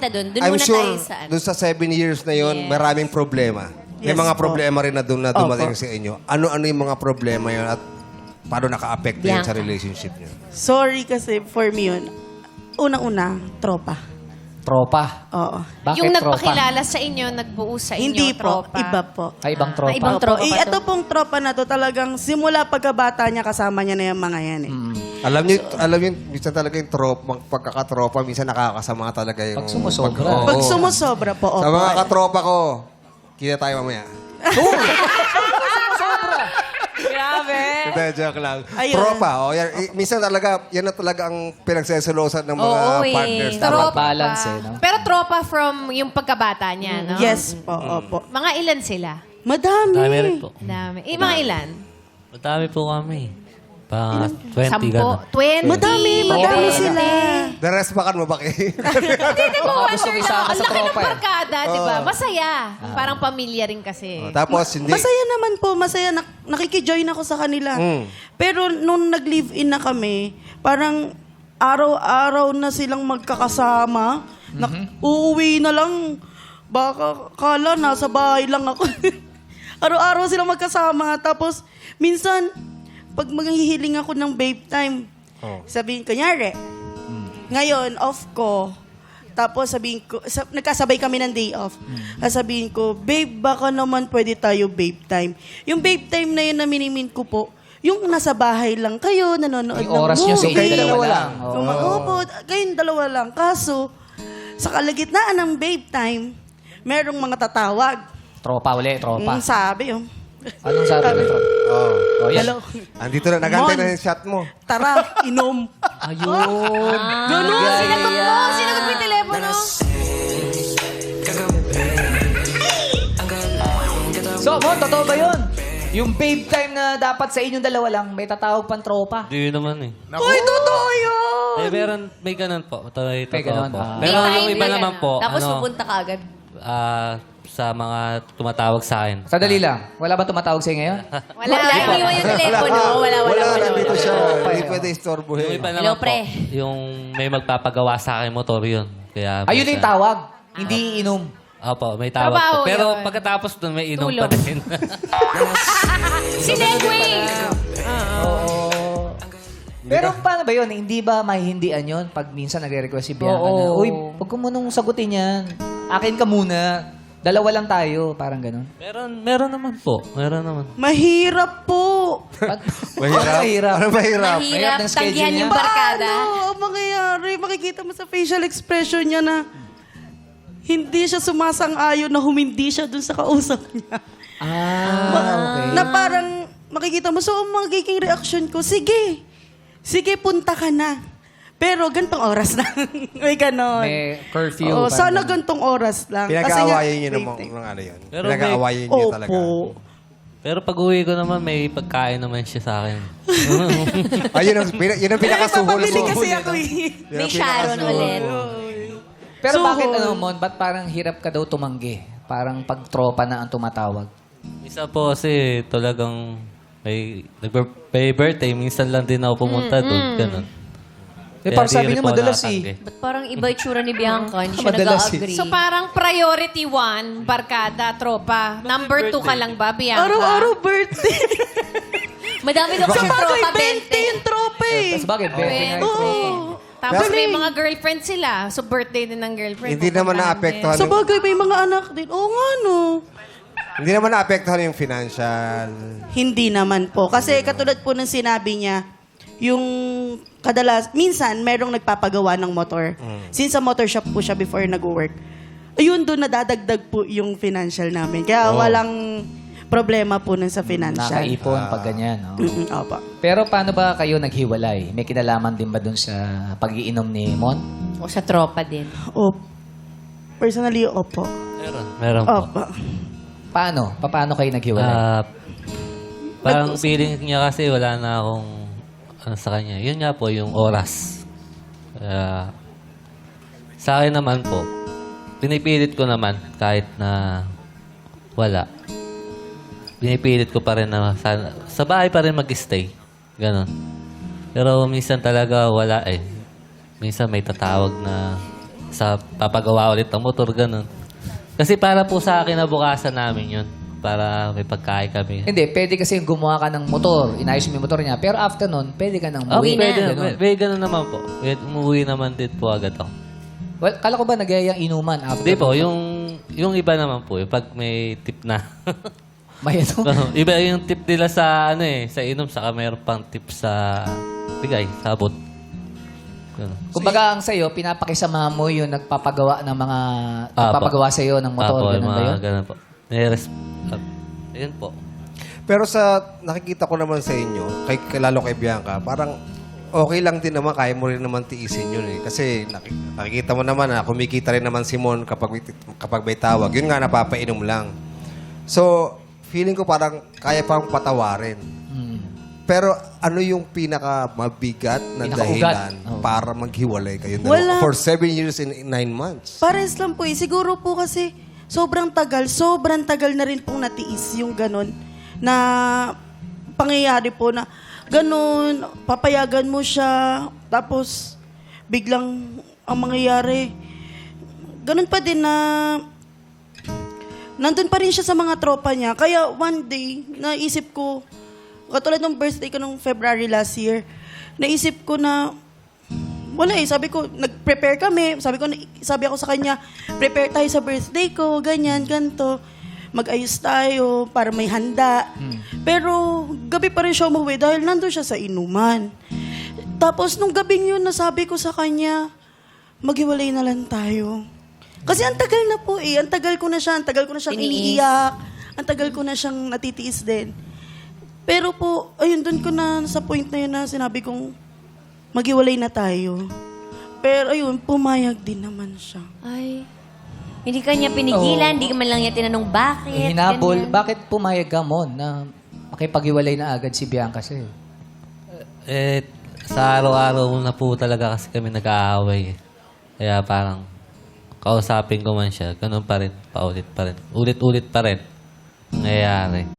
kita doon. Doon I'm muna sure tayo sa ano. doon sa 7 years na yon, Yes. maraming problema. May Yes mga po. problema rin na doon na dumating Opo. sa inyo. Ano-ano yung mga problema yun at paano naka-apekto yun sa Bianca. relationship niyo? Sorry kasi for me yun. Unang-una, tropa. Tropa. Oo. Bakit Yung tropa? nagpakilala sa inyo, nagbuo sa inyo, Hindi po, tropa. iba po. Ay, ibang tropa. ibang tropa pa Ito pong tropa na to talagang simula pagkabata niya kasama niya na yung mga yan eh. Alam niyo, minsan talaga yung pagkakatropa, minsan nakakasama talaga yung... Pag sumusobra. Oo. Pag sumusobra po, Sa opo. mga katropa ko, kita tayo mamaya. Grabe. Hindi, joke lang. Ayun. Tropa, yan, minsan talaga, yan na talaga ang pinagseselosan ng mga Oo, eh. partners. Tropa. Dapat Balance eh, no? Pero tropa from yung pagkabata niya, no? Yes po, opo. Mga ilan sila? Madami. Dami rin po. Dami. Mga ilan? Madami po kami. Pa 20 10? gano'n. 20? Madami sila. the rest bakan mo ba kayo? Hindi mo Baka gusto ko isama ang sa laki ng tropa eh. barkada, di ba? Masaya. Parang pamilya rin kasi. Tapos, hindi... Masaya naman po, masaya. Nakikijoin ako sa kanila. Pero nung nag-live-in na kami, parang araw-araw na silang magkakasama. Uuwi na lang. Baka kala nasa bahay lang ako. Araw-araw silang magkasama. Tapos, minsan, pag maghihiling ako ng babe time, sabihin, kunyari, ngayon, off ko. Tapos sabihin ko, nagkasabay kami ng day off. Sabihin ko, babe, baka naman pwede tayo babe time. Yung babe time na yun na minimin ko po, yung nasa bahay lang kayo, nanonood Yung ng oras movie. nyo sa inyo dalawa lang. Opo, kayong dalawa lang. Kaso, sa kalagitnaan ng babe time, merong mga tatawag. Tropa uli, tropa. Sabi, Anong sabi ng tropa? Oh, yan. hello, Andito na, nagantay Mon. na yung shot mo. tara, inom. Ayun. Ganun, sinagot mo. Sinagot mo yung telepono. So, Mon, totoo ba yun? Yung babe time na dapat sa inyong dalawa lang, may tatawag pang tropa. Hindi naman eh. Ay, totoo yun! May ganun po. May May ganun, po. ah. Pero May yung time iba na naman ganun. po, Tapos pupunta ka agad. sa mga tumatawag sa akin. Sadali lang. Wala ba tumatawag sa'yo ngayon? Wala, iniwan yung telepono. Wala. nandito siya. Hindi pwede istorbohin. Yung iba Hello, naman po, pre. yung may magpapagawa sa akin motor yun. Kaya, Ayun yung tawag. Hindi inom. Opo, may tawag Trabaho po. Pero yun. pagkatapos doon, may inom Tulog. pa din. Si Negway. Pero paano ba yun? Hindi ba mahihindian yun pag minsan nagre-request si Bianca na, uy, huwag ko munang sagutin yan. Akin ka muna. Dalawa lang tayo. Parang ganun. meron naman po. Meron naman. Mahirap po. Mahirap? Mahirap. Ano mahirap? Mahirap ng schedule tanggihan niya. yung barkada. Paano ang mangyayari? Makikita mo sa facial expression niya na hindi siya sumasang-ayon na humindi siya dun sa kausap niya. Okay. Na parang makikita mo, so ang magiging reaction ko, sige, punta ka na. Pero gantong oras lang. May ganon. May curfew. Oo, parang sana ganun. gantong oras lang. Pinag-aawayan niyo waiting. ng ano yun. Pero Pinag-aawayan niyo talaga. Opo. Pero pag uwi ko naman, may pagkain naman siya sa akin. Ayun yun ang pinakasuhol Papabili mo. kasi ako eh. Yun May ang Sharon pinakasuhol ulit. mo. Pero Suhol. bakit Mon? Ba't parang hirap ka daw tumanggi? Parang pag tropa na ang tumatawag. Isa po kasi talagang may birthday, minsan lang din ako pumunta doon. Ganun. Parang di sabi rin niya po madalas nakatanggi. Ba't parang iba yung tsura ni Bianca? Hindi siya Madalas nag-agree. So parang priority 1, barkada, tropa. Number 2 ka lang ba, Bianca? Araw-araw birthday. Madami daw kasi Sabagay, tropa, 20 yung tropa eh. Tapos bakit? Birthday nga yung Oo. tropa. Tapos may mga girlfriend sila. So birthday din ng girlfriend. Hindi naman Pupuntahan naapektuhan. Sa bagay, may mga anak din. Oo nga, no. Hindi naman naapektuhan yung financial. Hindi naman po. Kasi katulad po ng sinabi niya, yung minsan, merong nagpapagawa ng motor. Since sa motor shop po siya before nag-work. Ayun, doon nadadagdag po yung financial namin. Kaya walang problema po nun sa financial. Nakaipon pag ganyan. No? Opo. Pero paano ba kayo naghiwalay? May kinalaman din ba dun sa pag-iinom ni Mon? O sa tropa din. Opo. Personally, opo. Meron po. Opo. Paano? Paano kayo naghiwalay? Parang feeling niya kasi wala na akong ano sa kanya. Yun nga po, yung oras. Sa akin naman po, pinipilit ko naman kahit na wala. Pinipilit ko pa rin na sa bahay pa rin mag-stay. Ganon. Pero minsan talaga wala eh. Minsan may tatawag na sa papagawa ulit ng motor, ganun. Kasi para po sa akin, nabukasan namin yun. Para may pagkain kami. Hindi, pwede kasi gumawa ka ng motor. Inayos mo yung motor niya. Pero after nun, pwede ka nang Okay, umuwi. pwede, Ganun. pwede ganun naman po. Pwede, umuwi naman din po agad ako. Well, kala ko ba nagyayang inuman after? Hindi po, yung iba naman po, yung pag may tip na. May ano? Iba yung tip nila sa sa inom, saka mayroon pang tip sa bigay, sabot. Ganun. Kumbaga ang sa'yo, pinapakisama mo yung nagpapagawa ng mga... nagpapagawa sa'yo ng motor. Apo, Ganun ba yun? ganun po. Ayun po. Pero sa nakikita ko naman sa inyo, lalo kay Bianca, parang okay lang din naman, kaya mo rin naman tiisin yun eh. Kasi nakikita mo naman na kumikita rin naman si Mon kapag may tawag. Yun nga, napapainom lang. So, feeling ko parang kaya pang patawarin. Pero ano yung pinaka-mabigat na Pinaka-ugat. dahilan Oh. para maghiwalay kayo Wala. for 7 years and 9 months? Pares lang po eh. Siguro po kasi sobrang tagal na rin pong natiis yung ganun na pangyayari po na ganun, papayagan mo siya, tapos biglang ang mangyayari. Ganun pa din na nandun pa rin siya sa mga tropa niya. Kaya one day, naisip ko, katulad ng birthday ko nung February last year, naisip ko na wala eh. Sabi ko, nag-prepare kami. Sabi ako sa kanya, prepare tayo sa birthday ko, ganyan, ganito. Mag-ayos tayo para may handa. Pero gabi pa rin siya umuwi dahil nandun siya sa inuman. Tapos nung gabing yun, nasabi ko sa kanya, maghiwalay na lang tayo. Kasi ang tagal na po eh. Ang tagal ko na siyang Tiniis. iniiyak. Ang tagal ko na siyang natitiis din. Pero po, ayun, dun ko na sa point na yun na sinabi kong, maghiwalay na tayo. Pero ayun, pumayag din naman siya. Ay. Hindi ka niya pinigilan, hindi ka man lang niya tinanong bakit. Hinabol. ganyan. Bakit pumayag ka mo na makipag-iwalay na agad si Bianca sa'yo? Sa araw-araw na po talaga kasi kami nag-aaway. Kaya parang kausapin ko man siya, ganun pa rin, paulit pa rin. Ulit-ulit pa rin. Nangyayari.